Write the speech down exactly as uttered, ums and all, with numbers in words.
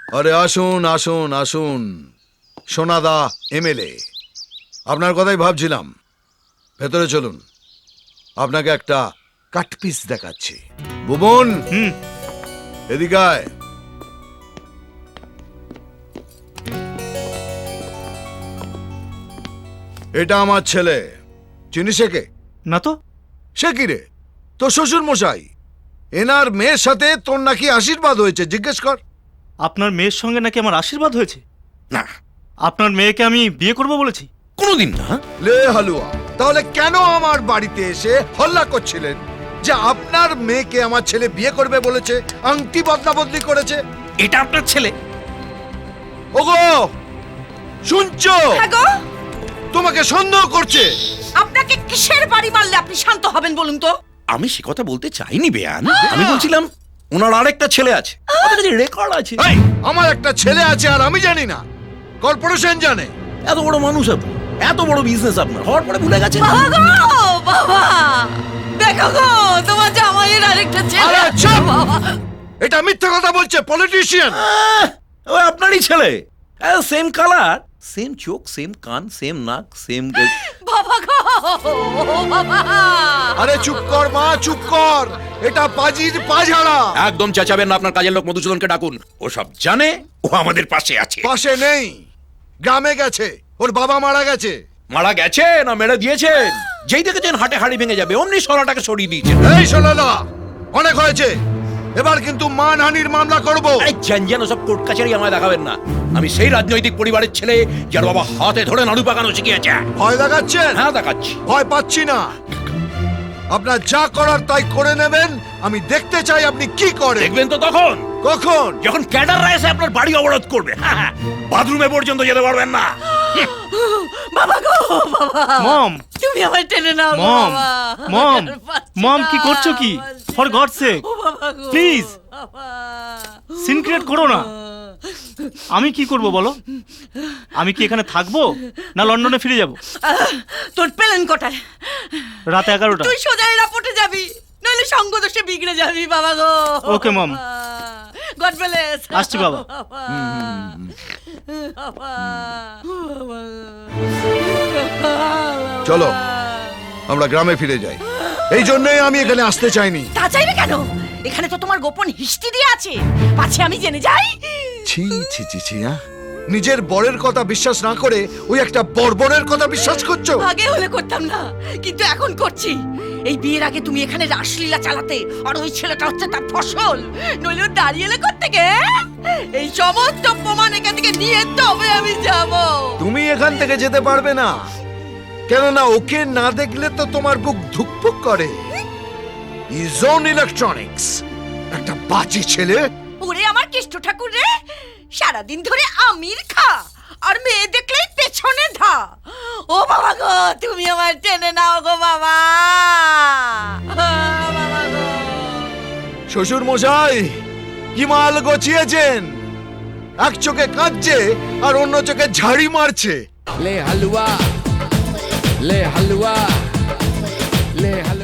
আরে আসুন আসুন আসুন সোনাদা এমএলএ, আপনার কথাই ভাবছিলাম। ভেতরে চলুন, আপনাকে একটা কাটপিস দেখাচ্ছি। ভুবন, হুম। এদিকে আয়। এটা আমার ছেলে, চিনিস একে? না তো। সে কি রে, তোর শ্বশুর মশাই। এনার মেয়ের সাথে তোর নাকি আশীর্বাদ হয়েছে, জিজ্ঞেস কর। আপনার মেয়ের সঙ্গে নাকি আমার আশীর্বাদ হয়েছে? না, আপনার মেয়েকে আমি বিয়ে করব বলেছি? কোনোদিন না। লে হালুয়া, তাহলে কেন আমার বাড়িতে এসে হল্লা করছিলেন যে আপনার মেয়েকে আমার ছেলে বিয়ে করবে বলেছে, আংটি বদলা বদলি করেছে? এটা আপনার ছেলে? ওগো শুনছো? হ্যাঁ গো, তোমাকে সন্দেহ করছে। আপনাকে কিসের বাড়ি মারলে আপনি শান্ত হবেন বলুন তো? আমি সে কথা বলতে চাইনি বেয়ান। আমি বলছিলাম ওনার আরেকটা ছেলে আছে, রেকর্ড আছে। এই, আমার একটা ছেলে আছে আর আমি জানি না? কর্পোরেশন জানে। এত বড় মানুষ আপনি, এত বড় বিজনেস আপনার, হওয়ার পরে ভুলে গেছেন। বাবা গো, বাবা দেখো গো, তোমার জামাইয়ের আরেকটা ছেলে আরে আছে, চুপ! বাবা। এটা মিথ্যা কথা বলছে, পলিটিশিয়ান। আহ, ওই আপনারই ছেলে, সেম কালার, সেম চোখ, সেম কান, সেম নাক, সেম। বাবা গো, বাবা। আরে চুপ কর মা, চুপ কর। এটা পাজির পাঝাড়া। একদম চেঁচাবেন না, আপনার কাজের লোক মধুসূদনকে ডাকুন। ও সব জানে, ও আমাদের পাশে আছে। পাশে নেই, গ্রামে গেছে, ওর বাবা মারা গেছে। মারা গেছে না মেরে দিয়েছেন? যেই দেখেছেন হাটে হাড়ি ভেঙে যাবে, অমনি সরাটাকে সরিয়ে দিয়েছেন। এই শোনালা, অনেক হয়েছে, এবার কিন্তু মানহানির মামলা করব। আরে জানজান, ওসব কোর্ট কাছারি আমায় দেখাবেন না। আমি সেই রাজনৈতিক পরিবারের ছেলে যার বাবা হাতে ধরে নাড়ু পাকানো শিখিয়েছে। ভয় দেখাচ্ছেন? হ্যাঁ দেখাচ্ছি। ভয় পাচ্ছি না। আপনার যা করার তাই করে নেবেন। আমি দেখতে চাই আপনি কি করেন। দেখবেন তো তখন, কখন? যখন ক্যাডাররা এসে আপনার বাড়ি অবরোধ করবে। হ্যাঁ, হ্যাঁ, বাথরুমে পর্যন্ত যেতে পারবেন না। বাবা গো, বাবা। মম, তুমি আমায় টেনে নাও গো, মম, বাবা। মম, আর পারছি মম, না, কি করছো কি? পারছি ফর না। গড সেক, ও বাবা গো, প্লিজ বাবা। সিন ক্রিয়েট করো না। আমি কি করব বলো? আমি কি এখানে থাকবো না লন্ডনে ফিরে যাব? আহ, তোর প্লেন কোটায়? রাত এগারোটা। তুই সোজা এয়ারপোর্টে যাবি, নইলে সঙ্গ দোষে বিগড়ে যাবি বাবা গো। Okay, mom. God bless. আসছি বাবা। বাবা। বাবা। চলো, আমরা গ্রামে ফিরে যাই। এই জন্যই আমি এখানে আসতে চাইনি। তা চাইবে কেন? এখানে তো তোমার গোপন হিস্ট্রি দিয়ে আছে, পাছে আমি জেনে যাই। ছি ছি ছি ছি, হ্যাঁ? নিজের বরের কথা বিশ্বাস না করে ওই একটা বর্বরের কথা বিশ্বাস করছো? আগে হলে করতাম না, কিন্তু এখন করছি। এই বিয়ের আগে তুমি এখানে রাসলীলা চালাতে, আর ওই ছেলেটা হচ্ছে তার ফসল, নইলে ও দাঁড়িয়ে এলে কোত্থেকে? এই সমস্ত প্রমাণ এখান থেকে নিয়ে তবে আমি যাব। তুমি এখান থেকে যেতে পারবে না, কেননা ওকে না দেখলে তো তোমার বুক ধুকপুক করে। ইজন ইলেকট্রনিক্স, একটা বাজে ছেলে। ওরে আমার কেষ্ট ঠাকুর রে, সারাদিন ধরে আমির খা, আর মেয়ে দেখলেই পেছনে ধা। ও বাবা গো, তুমি আমার টেনে নাও গো বাবা। বাবা গো। শ্বশুর মশাই কি মাল গছিয়েছেন? এক চোখে কাঁদছে আর অন্য চোখে ঝাড়ি মারছে। ले हलवा ले हलवा ले हलवा